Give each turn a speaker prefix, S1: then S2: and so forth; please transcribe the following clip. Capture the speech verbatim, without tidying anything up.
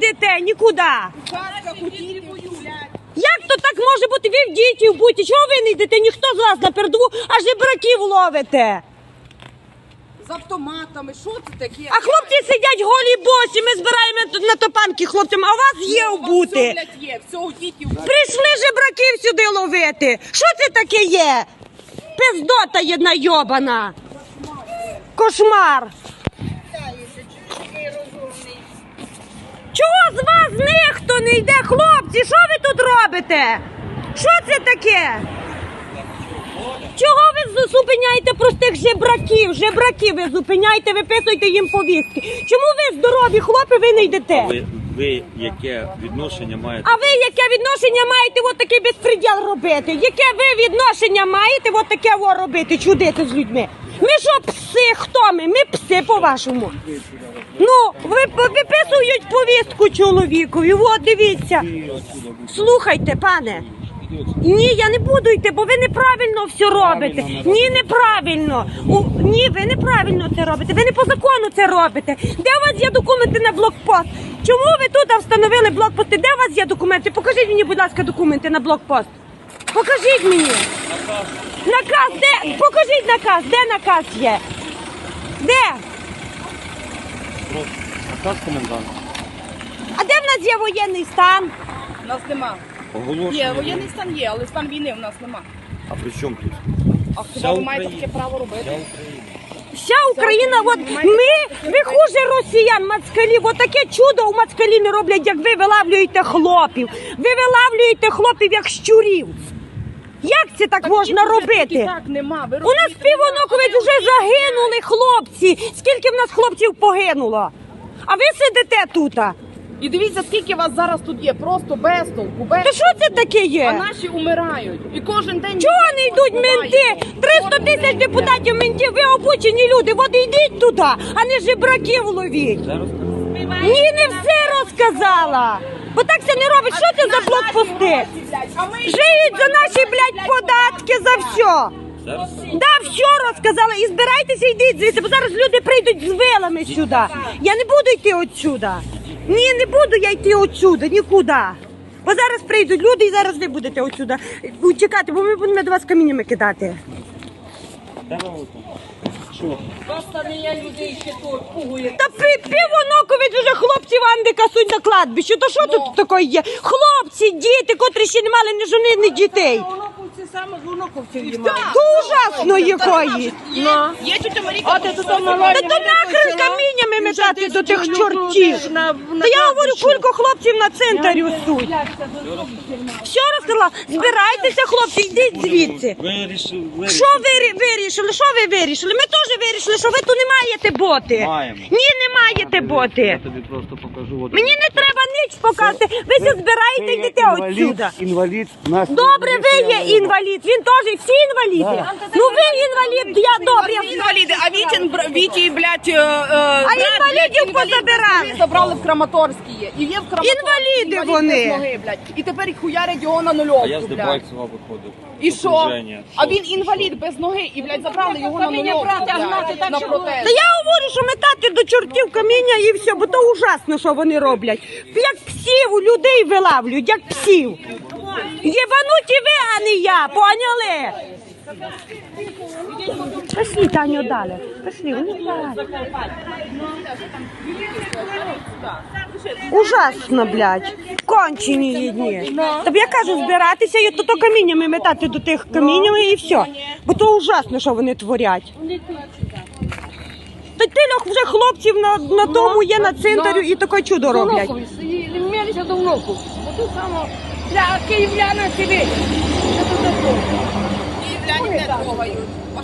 S1: йдете нікуди. Як то так може бути? Ви в дітей будьте. Чого ви не йдете? Ніхто з вас на передову, аж жебраків ловите.
S2: З автоматами, що це таке?
S1: А хлопці сидять голі босі, ми збираємо на топанки хлопцям, а у вас є обути.
S2: Все, блядь, є, все у дітей.
S1: Прийшли жебраків сюди ловити. Що це таке є? Пиздота єдна йобана. Кошмар. Чого з вас ніхто не йде, хлопці? Що ви тут робите? Що це таке? Чого ви зупиняєте простих жебраків? Жебраків ви зупиняєте, виписуєте їм повістки. Чому ви здорові хлопці, ви не йдете?
S3: Ви, ви яке відношення маєте?
S1: А ви яке відношення маєте от такий безпреділ робити? Яке ви відношення маєте от таке о робити, чудити з людьми? Ми що, пси? Хто ми? Ми пси, по-вашому. Ну, ви виписують повістку чоловікові, от дивіться. Слухайте, пане. Ні, я не буду йти, бо ви неправильно все робите. Ні, неправильно. У, ні, ви неправильно це робите. Ви не по закону це робите. Де у вас є документи на блокпост? Чому ви тут встановили блокпости? Де у вас є документи? Покажіть мені, будь ласка, документи на блокпост. Покажіть мені. Наказ, де? Покажіть наказ. Де наказ є? Де?
S3: Наказ комендант.
S1: А де в нас є воєнний стан?
S2: У нас нема.
S3: Оголошення.
S2: Є, воєнний стан є, але стан війни у нас нема.
S3: А при чому тут?
S2: А
S3: Вся
S2: хіба ви маєте
S3: Україна.
S2: таке право робити?
S3: Вся Україна.
S1: Вся Україна, от ми, ви хуже росіян, мацкалі, от таке чудо у мацкалі не роблять, як ви вилавлюєте хлопів. Ви вилавлюєте хлопів, як щурів. Як це так можна робити?
S2: Так, нема. Ви
S1: У нас півоноковець вже загинули хлопці. Скільки в нас хлопців погинуло? А ви сидите тут?
S2: І дивіться, скільки вас зараз тут є, просто без толку, без...
S1: То що це таке
S2: А
S1: є?
S2: наші умирають. І кожен день...
S1: Чого не йдуть менти? триста тисяч депутатів ментів, ви обучені люди. От йдіть туди, а не жебраків ловіть. Ні, не все розказала. Бо так це не робить. Що це за блокпости? Живіть за наші, блядь, податки, за все.
S3: Зараз?
S1: Да, все розказала. І збирайтеся, йдіть звідси, бо зараз люди прийдуть з вилами сюди. Я не буду йти отсюди. Ні, не буду я йти отсюди, нікуди. Бо зараз прийдуть люди і зараз ви будете отсюди чекати, бо ми будемо до вас каміннями кидати.
S3: Що?
S2: Просто не я людей ще тут пугує.
S1: Та півоноковець уже хлопців Анди касуть на кладбище. То що тут таке є? Хлопці, діти, котрі ще не мали ні жони, ні дітей.
S2: Воноковці саме з воноковців
S1: То ужасно якої.
S2: Є тетя Маріка.
S1: Та то нахрен каміннями метати до тих чортів. Та я говорю, кілька хлопців на центрі суть. Все розказала. Збирайтеся, хлопці, йдіть звідси.
S3: Вирішили.
S1: Що ви вирішили? Що ви вирішили? Ми теж вирішили, що ви тут не маєте боти.
S3: Маємо.
S1: Ні, не маєте боти.
S3: Я тобі просто покажу. От.
S1: Мені не треба ніч показати. Ви все збираєте і йдете отсюда.
S4: Інвалід. Нас
S1: Добре, ви є інвалід. Він теж, всі інваліди. Ну ви інвалід, я добре.
S2: А інваліди, а Вітін, бр- Віті, блядь, е, е,
S1: А
S2: брат,
S1: інвалідів
S2: блядь, інвалід
S1: позабирали.
S2: без ноги забрали в Краматорській є. І є в Краматорській
S1: Інваліди
S2: інвалід
S1: вони.
S2: без ноги, блядь. І тепер їх хуярять його на
S3: А я
S2: нульовку,
S3: з
S2: блядь.
S3: Дебальцева виходив.
S2: І що?
S3: Окруження.
S2: А він інвалід без ноги, і, блядь, забрали його на нульовку, блядь, на протест.
S1: Та я говорю, що метати до чортів каміння і все, бо то ужасно, що вони роблять. Як псів у людей вилавлюють, як псів. Єбануті ви, а не я, поняли? Пішли, Таню, далі. Пішли, вони далі. Ужасно, блядь. Кончені їдні. Тобі я кажу, збиратися і то, то каміннями метати до тих каміннями і все. Бо то ужасно, що вони творять. Та тилях вже хлопців на, на тому є на центрі і таке чудо роблять.
S2: Мілися до внуку. Бо тут само для київляни сидить. Київляни не трогають.